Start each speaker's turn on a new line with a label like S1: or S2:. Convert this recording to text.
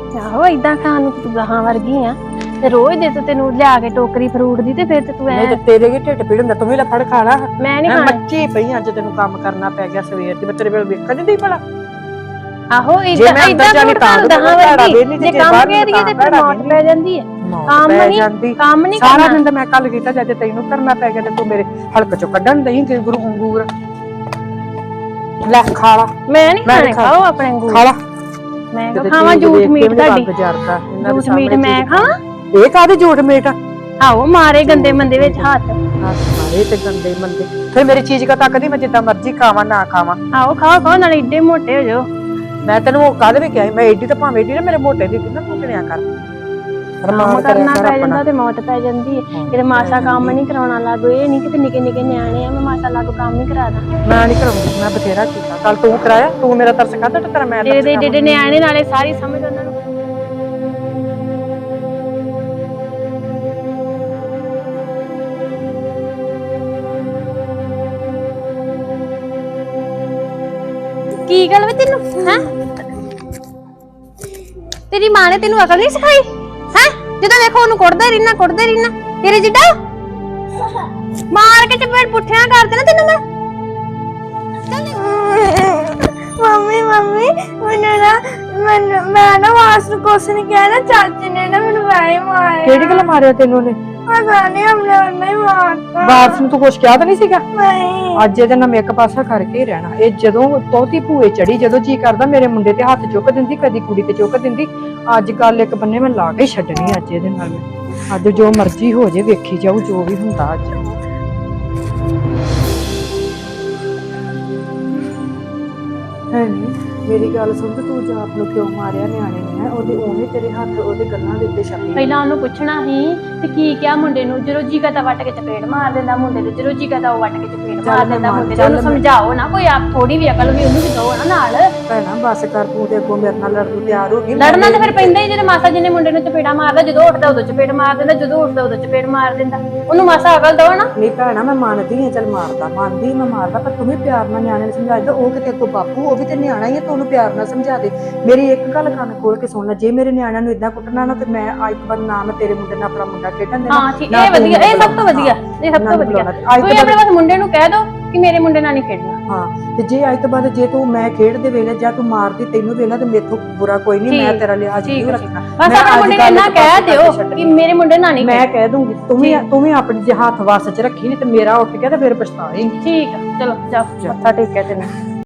S1: ਆਹੋ ਏਦਾਂ ਖਾਣ ਨੂੰ ਤੂੰ ਗਾਹਾਂ ਵਰਗੀ ਆ ਤੇ ਰੋਜ਼ ਦੇ ਤੈਨੂੰ ਲਿਆ ਕੇ ਟੋਕਰੀ ਫਰੂਟ ਦੀ ਤੇ ਫਿਰ ਤੇ ਤੂੰ
S2: ਨਹੀਂ ਤੇ ਤੇਰੇ ਕੀ ਢਿੱਡ ਪੀੜ ਹੁੰਦਾ, ਤੂੰ ਵੀ ਲੈ ਫੜ ਖਾ ਲਾ।
S1: ਮੈਂ ਨਹੀਂ ਖਾਣਾ।
S2: ਮੱਚੀ ਪਈ ਅੱਜ ਤੈਨੂੰ ਕੰਮ ਕਰਨਾ ਪੈ ਗਿਆ ਸਵੇਰ ਦੀ, ਮੈਂ ਤੇਰੇ ਵੇਲੇ ਵੇਖਣ ਨਹੀਂ ਭਲਾ।
S1: ਆਹੋ ਏਦਾਂ ਤੂੰ ਗਾਹਾਂ ਵਰਗੀ ਜੇ ਕੰਮ ਕਹਿ ਦਈਏ ਤੇ ਫਿਰ ਮੌਤ ਪੈ ਜਾਂਦੀ ਹੈ। ਕੰਮ ਨਹੀਂ
S2: ਸਾਰਾ ਦਿਨ ਤਾਂ ਮੈਂ ਕੱਲ ਕੀਤਾ ਜਦ ਤੈਨੂੰ ਕਰਨਾ ਪੈ ਗਿਆ ਤੇ ਤੂੰ ਮੇਰੇ ਹਲਕ ਚੋਂ ਕੱਢਣ ਦਈ ਗੁਰੂ ਅੰਗੂਰ। ਲੈ ਖਾ ਲਾ।
S1: ਮੈਂ ਨਹੀਂ ਖਾਣੇ, ਖਾਓ ਆਪਣੇ ਅੰਗੂਰ।
S2: ਖਾ ਲਾ।
S1: ਮੈਂ ਖਾਵਾਂ ਝੂਠ ਮੀਟ ਤੁਹਾਡੀ? ਝੂਠ ਮੀਟ ਮੈਂ ਖਾਵਾਂ?
S2: ਇਹ ਕਾਹਦੇ ਝੂਠ ਮੀਟ?
S1: ਆਹੋ ਮਾਰੇ ਗੰਦੇ ਮੰਦੇ ਵਿੱਚ ਹੱਥ
S2: ਮਾਰੇ ਤੇ ਗੰਦੇ ਮੰਦੇ। ਫਿਰ ਮੇਰੀ ਚੀਜ਼ ਕਾ ਤੱਕਦੀ ਮੈਂ ਜਿੱਦਾਂ ਮਰਜ਼ੀ ਖਾਵਾਂ ਨਾ ਖਾਵਾਂ।
S1: ਆਹੋ ਖਾਓ ਖਾਓ ਨਾਲੇ ਏਡੇ ਮੋਟੇ ਹੋ ਜਾਓ।
S2: ਮੈਂ ਤੈਨੂੰ ਕਾਹਦੇ ਵੀ ਕਿਹਾ ਮੈਂ ਏਡੀ ਤਾਂ ਭਾਵੇਂ ਏਡੀ ਨਾ ਮੇਰੇ ਮੋਟੇ ਦੀ ਕਿੰਨਾ ਭੁੱਖਣਿਆ ਕਰ।
S1: ਕੰਮ ਕਰਨਾ ਪੈ ਜਾਂਦਾ ਤੇ ਮੌਤ ਪੈ ਜਾਂਦੀ ਹੈ। ਕਿਤੇ ਮਾਸਾ ਕੰਮ ਨਹੀਂ ਕਰਾਉਣਾ ਲੱਗੋ, ਇਹ ਨਹੀਂ ਕਿਤੇ ਨਿੱਕੇ ਨਿੱਕੇ ਨਿਆਣੇ ਆ ਮੈਂ ਮਾਸਾ ਲੱਗੋ ਕੰਮ ਨਹੀਂ ਕਰਾਦਾ।
S2: ਮੈਂ ਨਹੀਂ ਕਰਾਉਂਦੀ, ਮੈਂ ਬਥੇਰਾ ਕੀਤਾ। ਕੱਲ ਤੂੰ ਕਰਾਇਆ, ਤੂੰ ਮੇਰਾ ਤਰਸ ਖਾਦਾ ਤੇ ਤੇਰਾ ਮੈਂ
S1: ਤੇਰੇ ਏਡੇ ਨਿਆਣੇ ਨਾਲੇ ਸਾਰੀ ਸਮਝ ਉਹਨਾਂ ਨੂੰ। ਕੀ ਗੱਲ ਵੇ ਤੈਨੂੰ ਹੈ? ਤੇਰੀ ਮਾਂ ਨੇ ਤੈਨੂੰ ਅਕਲ ਨਹੀਂ ਸਿਖਾਈ ਹੈ? ਜਦੋਂ ਦੇਖੋ ਉਹਨੂੰ ਕੁੱਟਦੇ ਰਹਿਣਾ ਤੇਰੇ ਜਿੱਡਾ ਮਾਰ ਕੇ ਚਪੇੜ ਪੁੱਠਿਆਂ ਕਰ ਦੇਣਾ ਤੈਨੂੰ ਮੈਂ। ਮੰਮੀ ਮੈਂ ਨਾ ਵਾਸ ਨੂੰ ਕੁਛ ਨਹੀਂ ਕਿਹਾ ਨਾ, ਚਾਚੀ ਨੇ ਨਾ ਮੈਨੂੰ ਵੈਸੇ ਮਾਰਿਆ।
S2: ਕਿਹੜੀ ਗੱਲ ਮਾਰਿਆ ਤੈਨੂੰ ਨੇ?
S1: ਪਤਾ ਨਹੀਂ ਹਮਨੇ ਨਹੀਂ ਮਾਰਤਾ।
S2: ਵਾਰਸ ਨੂੰ ਤੂੰ ਕੁਛ ਕਿਹਾ ਤਾਂ ਨਹੀਂ ਸੀਗਾ?
S1: ਨਹੀਂ।
S2: ਅੱਜ ਇਹਦੇ ਨਾਲ ਮੈਂ ਇੱਕ ਪਾਸਾ ਕਰਕੇ ਹੀ ਰਹਿਣਾ। ਇਹ ਜਦੋਂ ਤੋਤੀ ਭੂਏ ਚੜੀ, ਜਦੋਂ ਜੀ ਕਰਦਾ ਮੇਰੇ ਮੁੰਡੇ ਤੇ ਹੱਥ ਚੁੱਕ ਦਿੰਦੀ, ਕਦੀ ਕੁੜੀ ਤੇ ਚੁੱਕ ਦਿੰਦੀ। ਅੱਜ ਗੱਲ ਇੱਕ ਬੰਨੇ ਮੈਂ ਲਾ ਕੇ ਛੱਡਣੀ ਅੱਜ ਇਹਦੇ ਨਾਲ ਮੈਂ। ਅੱਜ ਜੋ ਮਰਜ਼ੀ ਹੋ ਜੇ ਵੇਖੀ ਜਾਊ ਜੋ ਵੀ ਹੁੰਦਾ ਅੱਜ। ਹੈ ਨੀ ਮੇਰੀ ਗੱਲ ਸੁਣ, ਤੂੰ ਜਾਪ ਨੂੰ ਕਿਉਂ ਮਾਰਿਆ ਨਿਆਣੇ ਨੇ? ਹੈ ਉਹਦੇ ਉਵੇਂ ਤੇਰੇ ਹੱਥ ਉਹਦੇ ਗੱਲਾਂ ਦੇ ਉੱਤੇ ਛੱਪੇ।
S1: ਪਹਿਲਾਂ ਉਹਨੂੰ ਪੁੱਛਣਾ ਸੀ ਤੇ ਕੀ ਕਿਹਾ ਮੁੰਡੇ ਨੂੰ? ਜਦੋਂ ਜੀ ਕਰਦਾ ਵੱਟ ਕੇ ਚਪੇੜ ਮਾਰ ਦਿੰਦਾ ਮੁੰਡੇ ਦੇ, ਜਦੋਂ ਜੀ ਕਰਦਾ ਉਹ ਵੱਟ ਕੇ ਚਪੇੜ ਮਾਰ ਦਿੰਦਾ ਮੁੰਡੇ ਦੇ। ਉਹਨੂੰ ਸਮਝਾਓ ਨਾ, ਕੋਈ ਆਪ ਥੋੜੀ ਵੀ ਅਕਲ ਵੀ ਉਹਨੂੰ ਵੀ ਦਿਓ ਨਾ ਨਾਲ।
S2: ਭੈਣਾ ਬਸ ਕਰ, ਤੂੰ ਤੇ ਅੱਗੋਂ ਮੇਰੇ ਨਾਲ ਲੜਨ ਨੂੰ ਤਿਆਰ ਹੋ ਗਈ।
S1: ਲੜਨਾ ਤਾਂ ਫਿਰ ਪੈਂਦਾ ਹੀ ਜਦੋਂ ਮਾਸਾ ਜੀ ਨੇ ਮੁੰਡੇ ਨੂੰ ਚਪੇੜਾ ਮਾਰਦਾ। ਜਦੋਂ ਉੱਠਦਾ ਉਦੋਂ ਚਪੇੜ ਮਾਰ ਦਿੰਦਾ, ਜਦੋਂ ਉੱਠਦਾ ਉਦੋਂ ਚਪੇੜ ਮਾਰ ਦਿੰਦਾ। ਉਹਨੂੰ ਮਾਸਾ ਅਕਲ ਦਿਓ ਨਾ।
S2: ਨਹੀਂ ਭੈਣਾ ਮੈਂ ਮੰਨਦੀ ਹਾਂ, ਚੱਲ ਮੰਨਦੀ ਮੈਂ ਮਾਰਦਾ, ਪਰ ਤੂੰ ਵੀ ਪਿਆਰ ਨਾਲ ਨਿਆਣੇ ਨੂੰ ਸਮਝਾ ਦੇ। ਉਹ ਕਿਤੇ ਅੱਗੋਂ ਬਾਪੂ, ਉਹ ਵੀ ਤੇ ਨਿਆਣਾ ਹੀ ਹੈ, ਤੂੰ ਉਹਨੂੰ ਪਿਆਰ ਨਾਲ ਸਮਝਾ ਦੇ। ਮੇਰੀ ਇੱਕ ਗੱਲ ਕੰਨ ਖੋਲ ਕੇ ਸੁਣ ਲੈ, ਜੇ ਮੇਰੇ ਨਿਆਣਿਆਂ ਨੂੰ ਇਦਾਂ ਕੁੱਟਣਾ ਨਾ ਤੇ ਮੈਂ ਅੱਜ ਤੋਂ ਬਾਅਦ ਨਾ ਮੈਂ ਤੇਰੇ ਮੁੰਡੇ ਨਾਲ ਆਪਣਾ ਮੁੰਡਾ ਖੇਡਣ ਦੇਣਾ।
S1: ਹਾਂ ਠੀਕ, ਇਹ ਵਧੀਆ, ਇਹ ਸਭ ਤੋਂ ਵਧੀਆ, ਇਹ ਸਭ ਤੋਂ ਵਧੀਆ। ਕੋਈ ਆਪਣੇ ਬਸ ਮੁੰਡੇ ਨੂੰ ਕਹਿ ਦੋ ਕਿ ਮੇਰੇ ਮੁੰਡੇ ਨਾਲ ਨਹੀਂ ਖੇਡਣਾ।
S2: ਹਾਂ ਤੇ ਜੇ ਅੱਜ ਤੋਂ ਬਾਅਦ ਜੇ ਤੂੰ ਮੈਂ ਖੇਡਦੇ ਵੇਲੇ ਜਾਂ ਤੂੰ ਮਾਰਦੀ ਤੈਨੂੰ ਵੇਲਾ ਤੇ ਮੇਥੋਂ ਬੁਰਾ ਕੋਈ ਨਹੀਂ। ਮੈਂ ਤੇਰਾ ਲਿਹਾਜ਼ ਨਹੀਂ ਰੱਖਣਾ।
S1: ਬਸ ਆਪਣੇ ਮੁੰਡੇ ਨੂੰ ਇੰਨਾ ਕਹਿ ਦਿਓ ਕਿ ਮੇਰੇ ਮੁੰਡੇ ਨਾਲ ਨਹੀਂ।
S2: ਮੈਂ ਕਹਿ ਦੂੰਗੀ, ਤੂੰ ਵੀ ਆਪਣੀ ਜੇ ਹੱਥ ਵੱਸ ਚ ਰੱਖੀ ਨਹੀਂ ਤੇ ਮੇਰਾ ਉੱਠ ਗਿਆ ਤੇ ਫਿਰ ਪਛਤਾਏਂਗੀ।
S1: ਠੀਕ ਆ, ਚਲੋ ਜਾਓ ਮੱਥਾ ਟੇਕਿਆ ਤੈਨੂੰ।